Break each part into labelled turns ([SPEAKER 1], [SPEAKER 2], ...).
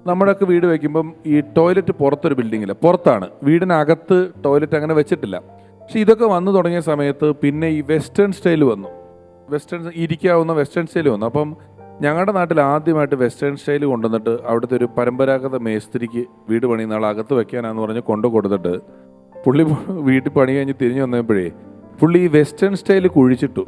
[SPEAKER 1] നമ്മുടെയൊക്കെ വീട് വയ്ക്കുമ്പം ഈ ടോയ്ലറ്റ് പുറത്തൊരു ബിൽഡിങ്ങില്ല, പുറത്താണ്, വീടിനകത്ത് ടോയ്ലറ്റ് അങ്ങനെ വെച്ചിട്ടില്ല. പക്ഷെ ഇതൊക്കെ വന്നു തുടങ്ങിയ സമയത്ത് പിന്നെ ഈ വെസ്റ്റേൺ സ്റ്റൈൽ വന്നു, ഇരിക്കാവുന്ന വെസ്റ്റേൺ സ്റ്റൈൽ വന്നു. അപ്പം ഞങ്ങളുടെ നാട്ടിൽ ആദ്യമായിട്ട് വെസ്റ്റേൺ സ്റ്റൈൽ കൊണ്ടുവന്നിട്ട് അവിടുത്തെ ഒരു പരമ്പരാഗത മേസ്ത്രിക്ക് വീട് പണിയുന്ന ആൾ അകത്ത് വെക്കാനാന്ന് പറഞ്ഞ് കൊണ്ടു കൊടുത്തിട്ട് പുള്ളി വീട്ടിൽ പണി കഴിഞ്ഞ് തിരിഞ്ഞു വന്നപ്പോഴേ പുള്ളി ഈ വെസ്റ്റേൺ സ്റ്റൈൽ കുഴിച്ചിട്ടു.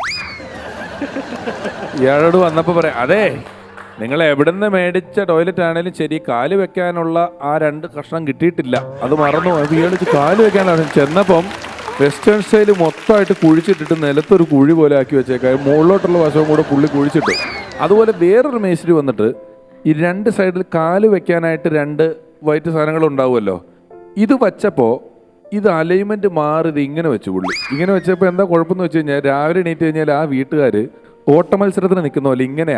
[SPEAKER 1] ഇയാളോട് വന്നപ്പോൾ പറയാം, അതെ നിങ്ങൾ എവിടെ നിന്ന് മേടിച്ച ടോയ്ലറ്റ് ആണെങ്കിലും ശരി, കാല് വെക്കാനുള്ള ആ 2 കഷ്ണം കിട്ടിയിട്ടില്ല, അത് മറന്നു. അത് ഇയാൾക്ക് കാല് വെക്കാനാണ് ചെന്നപ്പം വെസ്റ്റേൺ സ്റ്റൈൽ മൊത്തമായിട്ട് കുഴിച്ചിട്ടിട്ട് നിലത്തൊരു കുഴി പോലെ ആക്കി വെച്ചേക്കാം, മുകളിലോട്ടുള്ള വശവും കൂടെ പുള്ളി കുഴിച്ചിട്ടു. അതുപോലെ വേറൊരു മേസ്ത്രി വന്നിട്ട് ഈ 2 സൈഡിൽ കാല് വെക്കാനായിട്ട് 2 വൈറ്റ് സാധനങ്ങൾ ഉണ്ടാവുമല്ലോ, ഇത് വച്ചപ്പോൾ ഇത് അലൈൻമെന്റ് മാറി ഇത് ഇങ്ങനെ വെച്ചു പുള്ളി. ഇങ്ങനെ വെച്ചപ്പോൾ എന്താ കുഴപ്പമെന്ന് വെച്ച് കഴിഞ്ഞാൽ രാവിലെ എണീറ്റ് കഴിഞ്ഞാൽ ആ വീട്ടുകാർ ഓട്ട മത്സരത്തിന് നിൽക്കുന്ന പോലെ ഇങ്ങനെയാ.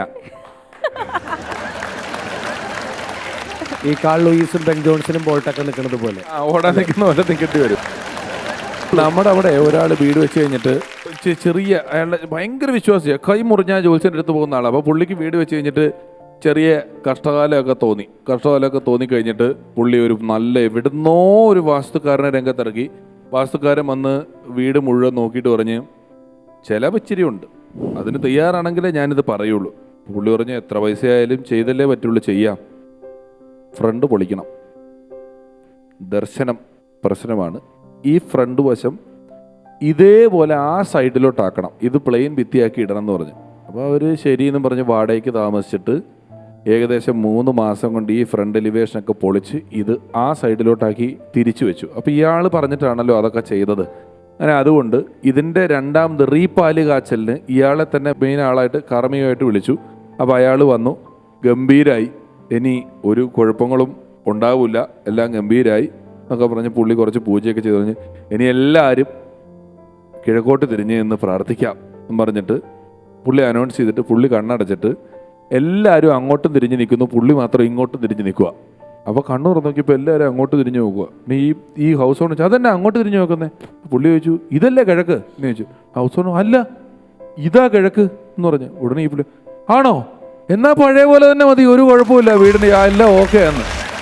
[SPEAKER 2] ഈ കാൾ ലൂയിസും ബെൻ ജോൺസണും ബോൾട്ടൊക്കെ നിൽക്കുന്നത് പോലെ
[SPEAKER 1] ഓടാൻ നിൽക്കുന്ന പോലെ നിൽക്കേണ്ടി വരും. നമ്മുടെ അവിടെ ഒരാൾ വീട് വെച്ച് കഴിഞ്ഞിട്ട് ചെറിയ അയാളുടെ ഭയങ്കര വിശ്വാസിയാണ്, കൈ മുറിഞ്ഞാൽ ജോത്സ്യൻ്റെ അടുത്ത് പോകുന്ന ആളാണ്. അപ്പോൾ പുള്ളിക്ക് വീട് വെച്ച് കഴിഞ്ഞിട്ട് ചെറിയ കഷ്ടകാലമൊക്കെ തോന്നിക്കഴിഞ്ഞിട്ട് പുള്ളി ഒരു നല്ല എവിടുന്നോ ഒരു വാസ്തുക്കാരനെ രംഗത്തിറക്കി. വാസ്തുക്കാരൻ വന്ന് വീട് മുഴുവൻ നോക്കിയിട്ട് പറഞ്ഞ് ചിലവ് ഇച്ചിരി ഉണ്ട്, അതിന് തയ്യാറാണെങ്കിലേ ഞാനിത് പറയുള്ളൂ. പുള്ളി പറഞ്ഞ് എത്ര പൈസയായാലും ചെയ്തല്ലേ പറ്റുള്ളൂ, ചെയ്യാം, ഫ്രണ്ട് പൊളിക്കണം, ദർശനം പ്രശ്നമാണ്, ഈ ഫ്രണ്ട് വശം ഇതേപോലെ ആ സൈഡിലോട്ടാക്കണം, ഇത് പ്ലെയിൻ ഭിത്തിയാക്കി ഇടണം എന്ന് പറഞ്ഞു. അപ്പോൾ അവർ ശരിയെന്നും പറഞ്ഞ് വാടകയ്ക്ക് താമസിച്ചിട്ട് ഏകദേശം 3 മാസം കൊണ്ട് ഈ ഫ്രണ്ട് എലിവേഷനൊക്കെ പൊളിച്ച് ഇത് ആ സൈഡിലോട്ടാക്കി തിരിച്ചു വെച്ചു. അപ്പോൾ ഇയാൾ പറഞ്ഞിട്ടാണല്ലോ അതൊക്കെ ചെയ്തത്. അങ്ങനെ അതുകൊണ്ട് ഇതിൻ്റെ 2ാമത് റീപാല് കാച്ചലിന് ഇയാളെ തന്നെ മെയിൻ ആളായിട്ട് കർമ്മികമായിട്ട് വിളിച്ചു. അപ്പോൾ അയാൾ വന്നു, ഗംഭീരായി, ഇനി ഒരു കുഴപ്പങ്ങളും ഉണ്ടാവില്ല, എല്ലാം ഗംഭീരായി എന്നൊക്കെ പറഞ്ഞ് പുള്ളി കുറച്ച് പൂജയൊക്കെ ചെയ്ത് പറഞ്ഞ് ഇനി എല്ലാവരും കിഴക്കോട്ട് തിരിഞ്ഞ് എന്ന് പ്രാർത്ഥിക്കാം എന്ന് പറഞ്ഞിട്ട് പുള്ളി അനൗൺസ് ചെയ്തിട്ട് പുള്ളി കണ്ണടച്ചിട്ട് എല്ലാവരും അങ്ങോട്ടും തിരിഞ്ഞ് നിൽക്കുന്നു, പുള്ളി മാത്രം ഇങ്ങോട്ടും തിരിഞ്ഞ് നിൽക്കുക. അപ്പോൾ കണ്ണു തുറന്ന് നോക്കിയപ്പോൾ എല്ലാവരും അങ്ങോട്ട് തിരിഞ്ഞ് നോക്കുക. പിന്നെ ഈ ഹൗസ് ഓണർ ചോദിച്ചു അതെന്നെ അങ്ങോട്ട് തിരിഞ്ഞ് നോക്കുന്നേ? പുള്ളി ചോദിച്ചു ഇതല്ലേ കിഴക്ക് എന്ന് ചോദിച്ചു. ഹൗസ് ഓണർ അല്ല ഇതാ കിഴക്ക് എന്ന് പറഞ്ഞു. ഉടനെ ഈ പുള്ളി ആണോ, എന്നാ പഴയ പോലെ തന്നെ മതി, ഒരു കുഴപ്പമില്ല, വീടിന് എല്ലാം ഓക്കെ എന്ന്.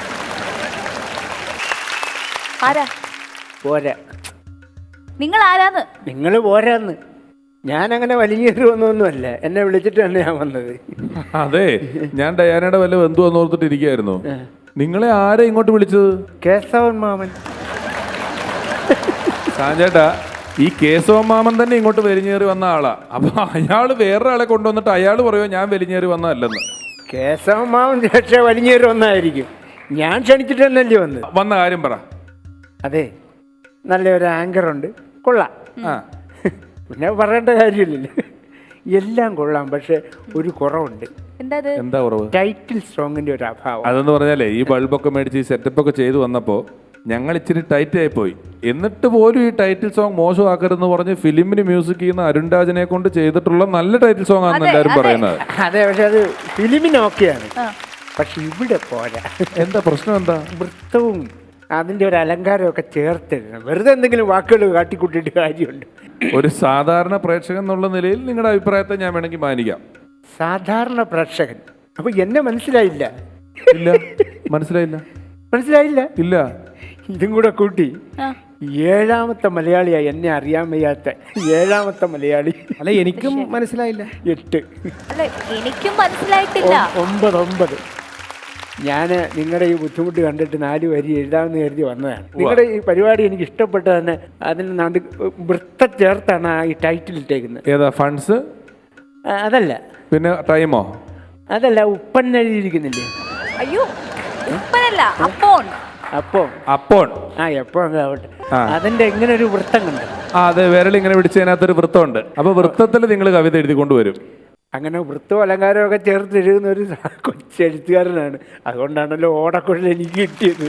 [SPEAKER 3] പോരാ,
[SPEAKER 4] നിങ്ങൾ ആരാന്ന്?
[SPEAKER 3] നിങ്ങൾ പോരാന്ന്. ഞാനങ്ങനെ വലിഞ്ഞേറി വന്നൊന്നുമല്ല, എന്നെ വിളിച്ചിട്ട് തന്നെ ഞാൻ വന്നത്.
[SPEAKER 1] അതെ, ഞാൻ ഡയാനയുടെ വല്ല ബന്ധു വന്നോർത്തിട്ട് ഇരിക്കുകയായിരുന്നു. നിങ്ങളെ ആരെ ഇങ്ങോട്ട് വിളിച്ചത്?
[SPEAKER 3] കേശവൻ മാമൻ.
[SPEAKER 1] സാഞ്ചേട്ടാ, ഈ കേശവൻ മാമൻ തന്നെ ഇങ്ങോട്ട് വലിഞ്ഞേറി വന്ന ആളാ. അപ്പൊ അയാൾ വേറൊരാളെ കൊണ്ടുവന്നിട്ട് അയാൾ പറയുമോ ഞാൻ വലിഞ്ഞേറി വന്നതല്ലെന്ന്?
[SPEAKER 3] കേശവൻ മാമൻ പക്ഷേ വലിഞ്ഞേറി വന്നായിരിക്കും, ഞാൻ ക്ഷണിച്ചിട്ട് തന്നെയല്ലേ വന്ന
[SPEAKER 1] കാര്യം പറ.
[SPEAKER 3] അതെ, നല്ലൊരു ആങ്കറുണ്ട്, കൊള്ളാം. പിന്നെ പറയേണ്ട കാര്യമില്ലല്ലോ, എല്ലാം കൊള്ളാം. പക്ഷെ ഒരു കുറവുണ്ട്.
[SPEAKER 1] എന്താ കുറവ്?
[SPEAKER 3] ടൈറ്റിൽ സോങ്ങിന്റെ ഒരു അഭാവം.
[SPEAKER 1] അതെന്ന് പറഞ്ഞാലേ ഈ ബൾബൊക്കെ മേടിച്ച് ഈ സെറ്റപ്പ് ഒക്കെ ചെയ്തു വന്നപ്പോൾ ഞങ്ങൾ ഇച്ചിരി ടൈറ്റ് ആയി പോയി. എന്നിട്ട് പോലും ഈ ടൈറ്റിൽ സോങ് മോശമാക്കരുതെന്ന് പറഞ്ഞ് ഫിലിമിന് മ്യൂസിക് ചെയ്യുന്ന അരുൺ രാജനെ കൊണ്ട് ചെയ്തിട്ടുള്ള നല്ല ടൈറ്റിൽ സോങ് ആണെന്ന് എല്ലാവരും പറയുന്നത്.
[SPEAKER 3] അതെ, പക്ഷെ അത് ഫിലിമിന് ഓക്കെയാണ്, പക്ഷെ ഇവിടെ പോരാ.
[SPEAKER 1] എന്താ പ്രശ്നം? എന്താ?
[SPEAKER 3] വൃത്തവും അതിന്റെ ഒരു അലങ്കാരമൊക്കെ ചേർത്തിടണം. വെറുതെ എന്തെങ്കിലും വാക്കുകൾ കാട്ടിക്കൂട്ടിയിട്ട് കാര്യമുണ്ട്.
[SPEAKER 1] ഒരു സാധാരണ പ്രേക്ഷകൻ എന്നുള്ള നിലയിൽ നിങ്ങളുടെ അഭിപ്രായത്തെ ഞാൻ വേണമെങ്കിൽ മാനിക്കാം.
[SPEAKER 3] സാധാരണ പ്രേക്ഷകൻ അപ്പൊ എന്നെ മനസ്സിലായില്ല?
[SPEAKER 1] ഇല്ല, മനസ്സിലായില്ല.
[SPEAKER 3] ഇല്ല. ഇതും കൂടെ കൂട്ടി 7ാമത്തെ മലയാളിയായി എന്നെ അറിയാൻ വയ്യാത്ത 7ാമത്തെ മലയാളി.
[SPEAKER 2] അല്ല, എനിക്കും മനസ്സിലായില്ല.
[SPEAKER 3] 8.
[SPEAKER 4] അല്ല, എനിക്കും മനസ്സിലായിട്ടില്ല.
[SPEAKER 3] 9. ഞാൻ നിങ്ങളുടെ ഈ ബുദ്ധിമുട്ട് കണ്ടിട്ട് 4 വരി എഴുതാമെന്ന് കരുതി വന്നതാണ്. നിങ്ങളുടെ ഈ പരിപാടി എനിക്ക് ഇഷ്ടപ്പെട്ട തന്നെ അതിന് വൃത്ത ചേർത്താണ് ഈ ടൈറ്റിൽ ഇട്ടേക്കുന്നത്.
[SPEAKER 1] ഏതാ? ഫണ്ട്സ്?
[SPEAKER 3] അതല്ല.
[SPEAKER 1] പിന്നെ ടൈമോ?
[SPEAKER 3] അതല്ല, ഉപ്പൻ എഴുതിയിരിക്കുന്നില്ലേ?
[SPEAKER 4] അയ്യോ, ഉപ്പനല്ല, അപ്പോൺ.
[SPEAKER 1] അപ്പോൺ.
[SPEAKER 3] എപ്പോ ആവട്ടെ, അതിന്റെ എങ്ങനെ ഒരു വൃത്തം കണ്ടു?
[SPEAKER 1] അതെ, വിരൽ ഇങ്ങനെ പിടിച്ചതിനകത്തൊരു വൃത്തമുണ്ട്. അപ്പൊ വൃത്തത്തിൽ നിങ്ങൾ കവിത എഴുതി കൊണ്ടുവരും.
[SPEAKER 3] അങ്ങനെ വൃത്തവും അലങ്കാരവും ഒക്കെ ചേർത്ത് എഴുതുന്ന ഒരു കൊച്ചെഴുത്തുകാരനാണ്. അതുകൊണ്ടാണല്ലോ ഓടക്കുഴൽ എനിക്ക് കിട്ടിയത്.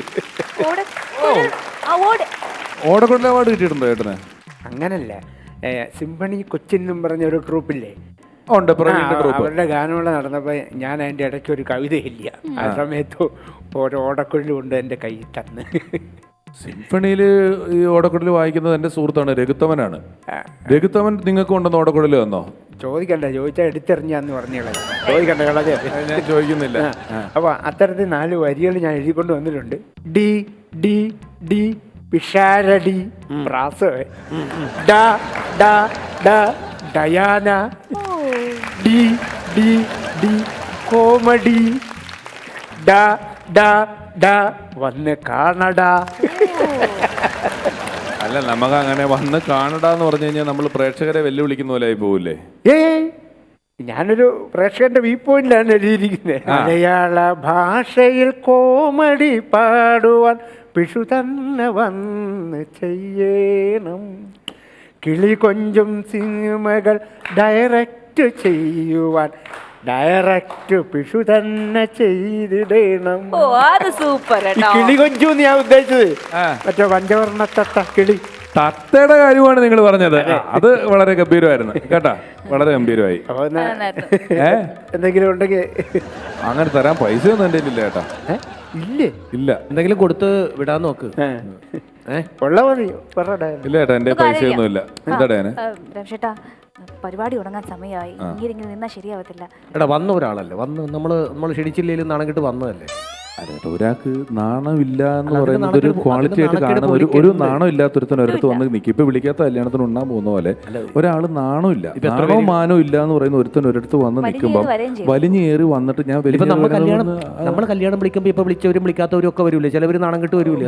[SPEAKER 1] ഓടക്കുഴൽ അവാർഡ് കിട്ടിയിട്ടുണ്ടോ ചേട്ടന്?
[SPEAKER 3] അങ്ങനല്ല, സിംഫണി കൊച്ചിൻ എന്നും പറഞ്ഞ ഒരു ട്രൂപ്പില്ലേ,
[SPEAKER 1] ഉണ്ട്,
[SPEAKER 3] അവരുടെ ഗാനമേള നടന്നപ്പോൾ ഞാൻ അതിൻ്റെ ഇടയ്ക്ക് ഒരു കവിത ഇല്ല, ആ സമയത്ത് ഓരോ ഓടക്കുഴലും കൊണ്ട് എൻ്റെ കയ്യിൽ തന്ന്.
[SPEAKER 1] സിംഫണിയിൽ ഈ ഓടക്കുഴൽ വായിക്കുന്നത് എൻ്റെ സുഹൃത്താണ് രഘുത്തമനാണ്. രഘുത്തമൻ നിങ്ങൾക്ക് കൊണ്ടുവന്ന് ഓടക്കുഴൽ വന്നോ?
[SPEAKER 3] ചോദിക്കണ്ട, ചോദിച്ചാൽ എടുത്തെറിഞ്ഞാന്ന് പറഞ്ഞോളെ, ചോദിക്കണ്ട കളഞ്ഞ.
[SPEAKER 1] ഞാൻ ചോദിക്കുന്നില്ല.
[SPEAKER 3] അപ്പൊ അത്തരത്തിൽ 4 വരികൾ ഞാൻ എഴുതിക്കൊണ്ട് വന്നിട്ടുണ്ട്. ഡി ഡി ഡി പിഷാരടി പ്രാസവേ, ഡ ഡ ഡ ഡയാന, ഡി ഡി ഡി കോമഡി, ഡ ഡ ഡ വന്ന് കാണടാ.
[SPEAKER 1] അല്ല, നമുക്ക് അങ്ങനെ വന്ന് കാണടാന്ന് പറഞ്ഞു കഴിഞ്ഞാൽ നമ്മൾ പ്രേക്ഷകരെ വെല്ലുവിളിക്കുന്ന പോലെ ആയി പോവില്ലേ?
[SPEAKER 3] ഞാനൊരു പ്രേക്ഷകന്റെ വ്യൂ പോയിന്റിലാണ് എഴുതിയിരിക്കുന്നത്. മലയാള ഭാഷയിൽ കോമഡി പാടുവാൻ പിഷു തന്നെ വന്ന് ചെയ്യണം. കിളി കൊഞ്ചും സിനിമകൾ ഡയറക്റ്റ് ചെയ്യുവാൻ ഡയറക്റ്റ് പിഷു തന്നെ ചെയ്തിടണം.
[SPEAKER 4] ഓ അത് സൂപ്പർ
[SPEAKER 3] ഈ
[SPEAKER 4] കേട്ടോ.
[SPEAKER 3] കിളി കൊഞ്ചു ഞാൻ ഉദ്ദേശിച്ചത് മറ്റേ പഞ്ചവർണ്ണത്തട്ട കിളി.
[SPEAKER 1] തത്തയുടെ കാര്യമാണ് നിങ്ങൾ പറഞ്ഞത്. അത് വളരെ ഗംഭീരമായിരുന്നു കേട്ടാ, വളരെ ഗംഭീരമായി.
[SPEAKER 3] അപ്പൊ എന്നാ
[SPEAKER 1] ഏ
[SPEAKER 3] എന്തെങ്കിലും ഉണ്ടെങ്കിൽ
[SPEAKER 1] അങ്ങനെ തരാൻ പൈസ ഒന്നും എൻ്റെ ഇല്ല ചേട്ടാ.
[SPEAKER 3] ഇല്ലേ?
[SPEAKER 1] ഇല്ല.
[SPEAKER 2] എന്തെങ്കിലും കൊടുത്ത് വിടാൻ നോക്ക്.
[SPEAKER 3] ഉള്ള മതി പറയട്ടെ.
[SPEAKER 1] ഇല്ല ചേട്ടാ, എൻ്റെ പൈസ ഒന്നും ഇല്ല. എന്താ ഡാന്?
[SPEAKER 4] രമേശേട്ടാ, പരിപാടി തുടങ്ങാൻ സമയമായി. ഇങ്ങനെ നിന്നാ ശരിയാവത്തില്ല.
[SPEAKER 2] എടാ വന്ന ഒരാളല്ലേ, വന്ന് നമ്മൾ ക്ഷണിച്ചില്ലേലും നാണം കിട്ട് വന്നതല്ലേ.
[SPEAKER 1] അതെ, ഒരാൾക്ക് നാണമില്ല എന്ന്
[SPEAKER 2] അതിന്
[SPEAKER 1] പറയുന്നത് ഒരു
[SPEAKER 2] നാണക്കേട്
[SPEAKER 1] ക്വാളിറ്റി ആയിട്ട്
[SPEAKER 2] നാണക്കേട്
[SPEAKER 1] കാണുന്ന ഒരു
[SPEAKER 2] പൊളിക്കരുത്.
[SPEAKER 1] നാണം ഇല്ലാത്തൊരുത്തൻ ഒരിടത്ത് വന്ന് നിൽക്കും. ഇപ്പൊ വിളിക്കാത്ത കല്യാണത്തിന് ഉണ്ണാൻ പോകുന്ന പോലെ ഒരാള് നാണമില്ല, നാണോ മാനോ ഇല്ല എന്ന് പറയുന്ന ഒരുത്തൻ ഒരിടത്ത് വന്ന് നിൽക്കുമ്പോൾ വലിഞ്ഞേറി വന്നിട്ട് ഞാൻ
[SPEAKER 2] ഇപ്പൊ നമ്മൾ കല്യാണം വിളിക്കുമ്പോ ഇപ്പൊ വിളിച്ചവരും വിളിക്കാത്തവരും ഒക്കെ വരൂലേ, ചിലവര് നാണം കിട്ട് വരൂലേ.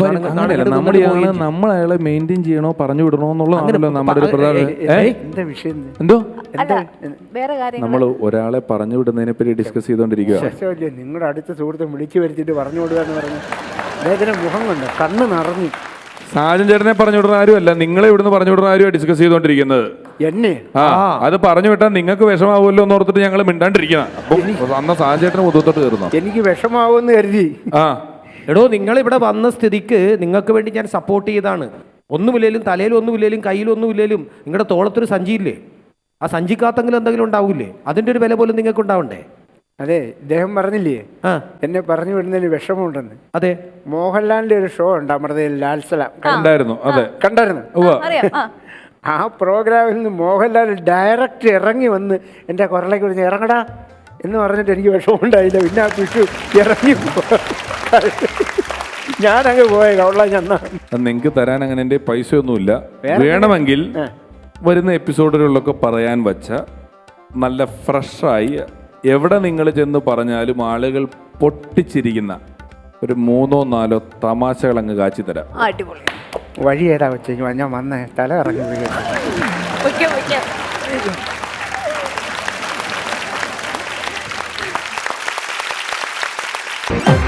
[SPEAKER 1] നമ്മൾ അയാളെ മെയിൻറ്റെയിൻ ചെയ്യണോ പറഞ്ഞു വിടണോ എന്നുള്ളതാണല്ലോ നമ്മുടെ ഒരു പ്രധാന.
[SPEAKER 3] എന്താ വിഷയം?
[SPEAKER 1] എന്തോ
[SPEAKER 4] അല്ല, വേറെ കാര്യം
[SPEAKER 1] നമ്മൾ ഒരാളെ പറഞ്ഞു വിടുന്നതിനെ പറ്റി ഡിസ്കസ് ചെയ്തോണ്ടിരിക്കുക.
[SPEAKER 3] ശേഷമല്ലേ നിങ്ങളുടെ അടുത്ത സുഹൃത്തെ വിളിച്ചു വരുത്തിട്ട് പറഞ്ഞു കൊടുക്കുക എന്ന് പറഞ്ഞു. അദ്ദേഹത്തിന് മുഖം കൊണ്ട് കണ്ണ് നിറഞ്ഞു.
[SPEAKER 1] സാജൻ ചേട്ടനെ പറഞ്ഞു വിടുന്ന ആരുമല്ല, നിങ്ങളെ ഇവിടുന്ന് പറഞ്ഞു വിടുന്ന ആരുമാണ് ഡിസ്കസ് ചെയ്തോണ്ടിരിക്കുന്നത്.
[SPEAKER 3] എന്നെ
[SPEAKER 1] അത് പറഞ്ഞു വിട്ടാൽ നിങ്ങൾക്ക് വിഷമാവുമല്ലോ എന്ന് ഓർത്തിട്ട് ഞങ്ങൾ മിണ്ടാണ്ടിരിക്കണം. അപ്പം അന്ന് സാജൻ ചേട്ടന് മുതത്തോട്ട് കയറുന്നു.
[SPEAKER 3] എനിക്ക് വിഷമാവുമെന്ന് കരുതി.
[SPEAKER 2] എടോ, നിങ്ങൾ ഇവിടെ വന്ന സ്ഥിതിക്ക് നിങ്ങൾക്ക് വേണ്ടി ഞാൻ സപ്പോർട്ട് ചെയ്താണ്. ഒന്നുമില്ലേലും തലയിൽ ഒന്നുമില്ലേലും കയ്യിൽ ഒന്നുമില്ലേലും നിങ്ങളുടെ തോളത്തൊരു സഞ്ചിയില്ലേ, ആ സഞ്ചിക്കകത്തെങ്കിലും എന്തെങ്കിലും ഉണ്ടാവൂലേ, അതിന്റെ ഒരു വില പോലും നിങ്ങൾക്ക് ഉണ്ടാവണ്ടേ.
[SPEAKER 3] അതെ, ഇദ്ദേഹം പറഞ്ഞില്ലേ എന്നെ പറഞ്ഞു വിടുന്നതിന് വിഷമമുണ്ടെന്ന്.
[SPEAKER 2] അതെ,
[SPEAKER 3] മോഹൻലാലിന്റെ ഒരു ഷോ ഉണ്ട് അമൃതയിൽ, ലാൽസലാം
[SPEAKER 1] ഉണ്ടായിരുന്നു. അതെ,
[SPEAKER 3] കണ്ടായിരുന്നു.
[SPEAKER 4] അറിയാം.
[SPEAKER 3] ആ പ്രോഗ്രാമിൽ നിന്ന് മോഹൻലാൽ ഡയറക്റ്റ് ഇറങ്ങി വന്ന് എൻ്റെ കുറലേക്ക് വിളിച്ച് ഇറങ്ങടാ എന്ന് പറഞ്ഞിട്ട് എനിക്ക് വിഷമമുണ്ടായില്ല. പിന്നെ ആ പിഷു ഇറങ്ങി ഞാനങ്ങ് പോയ കവള ചെന്നാ.
[SPEAKER 1] നിങ്ങൾക്ക് തരാൻ അങ്ങനെ എൻ്റെ പൈസ ഒന്നുമില്ല. വേണമെങ്കിൽ വരുന്ന എപ്പിസോഡുകളിലൊക്കെ പറയാൻ വച്ച നല്ല ഫ്രഷായി എവിടെ നിങ്ങൾ ചെന്ന് പറഞ്ഞാലും ആളുകൾ പൊട്ടിച്ചിരിക്കുന്ന ഒരു 3-4 തമാശകൾ അങ്ങ് കാച്ചി തരാം.
[SPEAKER 4] അടിപൊളി.
[SPEAKER 3] വഴി ഏതാ വെച്ച് ഞാൻ വന്നേ, തല ഇറങ്ങി വീഴും.